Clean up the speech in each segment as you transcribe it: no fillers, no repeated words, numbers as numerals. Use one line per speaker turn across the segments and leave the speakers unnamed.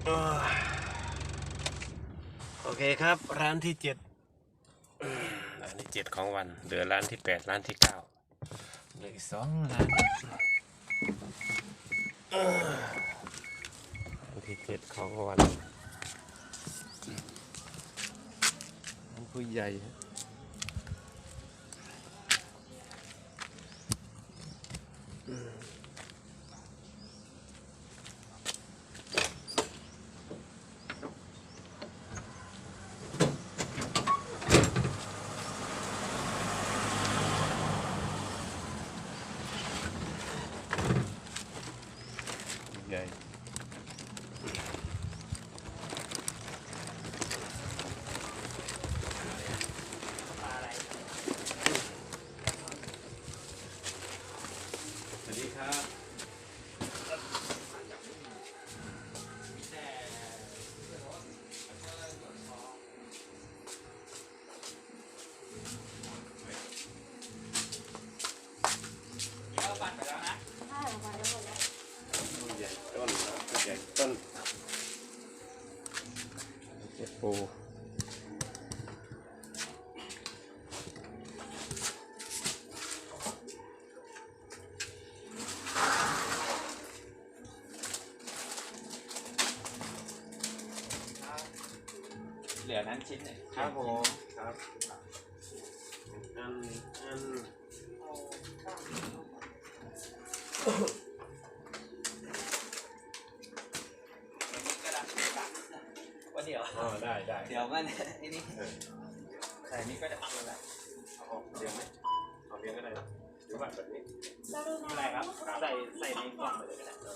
โอเคครับร้านที่ร้านที่7ของวันเหลือร้านที่8ร้านที่9เหลืออีก2ร้านร้านที่7ของวันร้านผู้ใหญ่ใหญ่สวัสดีครับ
ปั่นไปแล้วนะ
ใช่ไปแล้วหมดแล้วผู้ใหญ่ต้นผู้ใหญ่ต้นเจ็ดปู
เหลือนั้นชิ้นหนึ่ง
ครับผมครับอัน
ว่าเดี๋ยว
ได้
เดี๋ยวมันไอ้นี่ใส่นี้ก็จะทำอะไร
เอาเรียงไหมเอาเรียงก็ได้หรือว่าแบบนี้
อะไรครับใส่ในกล่องไปเลยก็ได้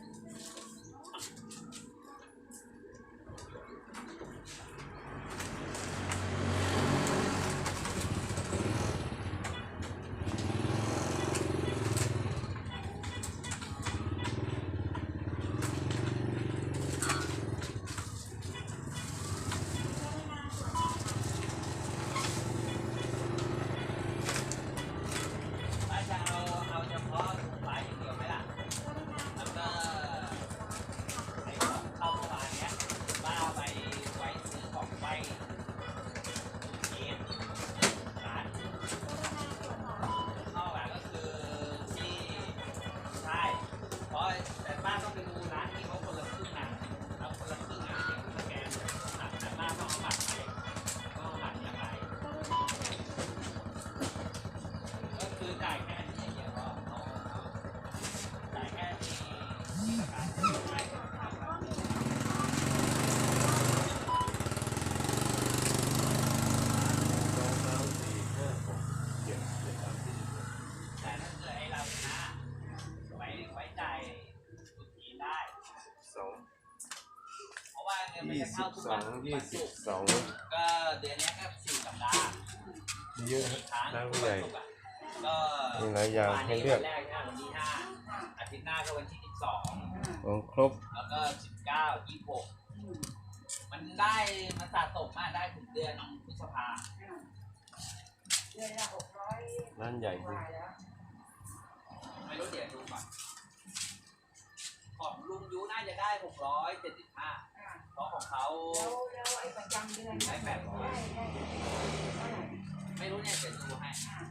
22
ก็เดือนนี้ก็4 สัปดาห์
เยอะร้านผู้ใหญ่
ก็
มีหลายอย่างให้เลือก
วันแรกวันที่5อาทิตย์หน้าก็วันที่
ของครบ
แล้วก็19 26มันได้มันสะสมมาได้ถึงเดือนพฤษภา
เดือนละ600
ร้านใหญ่จริง
ไม่รู้เดี๋ยวดูก่อนของลุงยูน่าจะได้675เพราะของเขา
แล้วไอ้ประจำเดือน
ได้ไม่รู้เนี่ยเดี๋ยวดูให้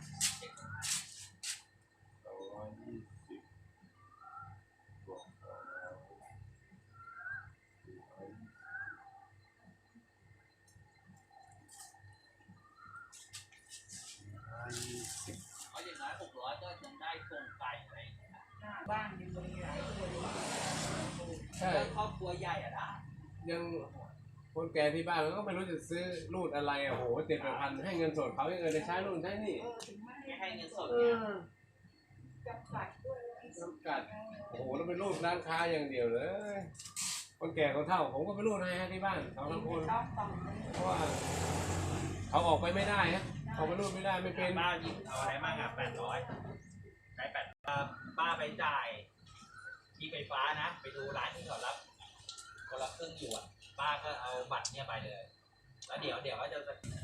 เพราะอย่างน้อย600ก็ยังได้ตรงไก่อะไร
บ้านมีหลายคน
ใช่ครอบครัวใหญ่อะนะ
ยังคนแก่ที่บ้านมันก็ไม่รู้จะซื้อรูดอะไรโอ้โห7,000ให้เงินสดเขายังจะใช้รูดใช้นี่
ไม่ให้เงินสดเนี่ย
จำกัดด้วย
จำกัดโอ้โหแล้วเป็นรูดร้านค้าอย่างเดียวเลยคนแก่คนเฒ่าผมก็ไปรูดให้ที่บ้านเขาทั้งคนเพราะว่าเขาออกไปไม่ได้ฮะเขาไปรูดไม่ได้ไม่เป็น
ป้าหยิบเอาอะไรมากอ่ะ800ใช้ป้าไปจ่ายที่ไฟฟ้านะไปดูร้านที่เขารับคนละครึ่งอยู่อ่ะป้าก็เอาบัตรเนี่ยไปเลยแล้วเดี๋ยวก็จะ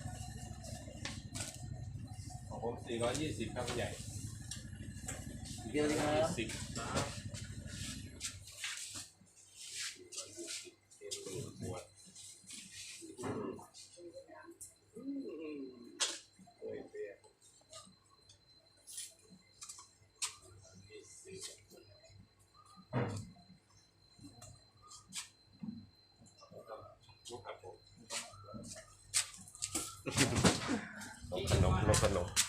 ของผม420ครับใหญ่
เดียวเลยครับ
10 ขนม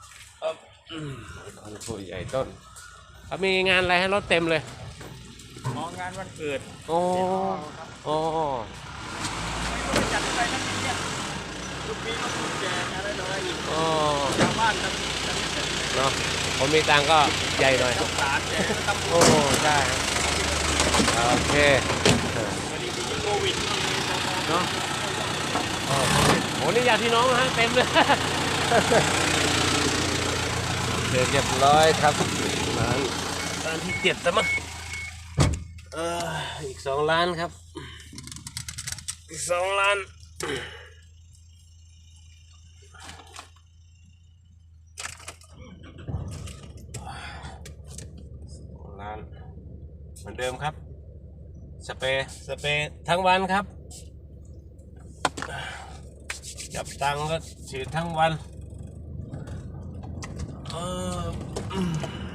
คนผู้ใหญ่ต้นเขามีงานอะไรให้รถเต็มเลย
งานวันเกิด
โอ้โอ้
ไม่รู้จะจัดอะไรนั่นเนี่ยลูกปีก็ลูกแจกอะไรต่ออะไรอีก
โอ้
ชาวบ้านทำ
เนาะผมมีตังค์ก็ใหญ่หน่อย
สารแจกตำรว
โอ้
จ
ใช่โอเค
พอดีมีโควิด
เนาะโอ้นี่ญาติพี่น้องนะฮะเต็มเลย เรียบร้อยครับร้านที่7แล้วมั้งอีก2 ล้านครับอีก2 ล้านเหมือนเดิมครับสเปรย์ทั้งวันครับจับตังค์ก็ฉีดทั้งวัน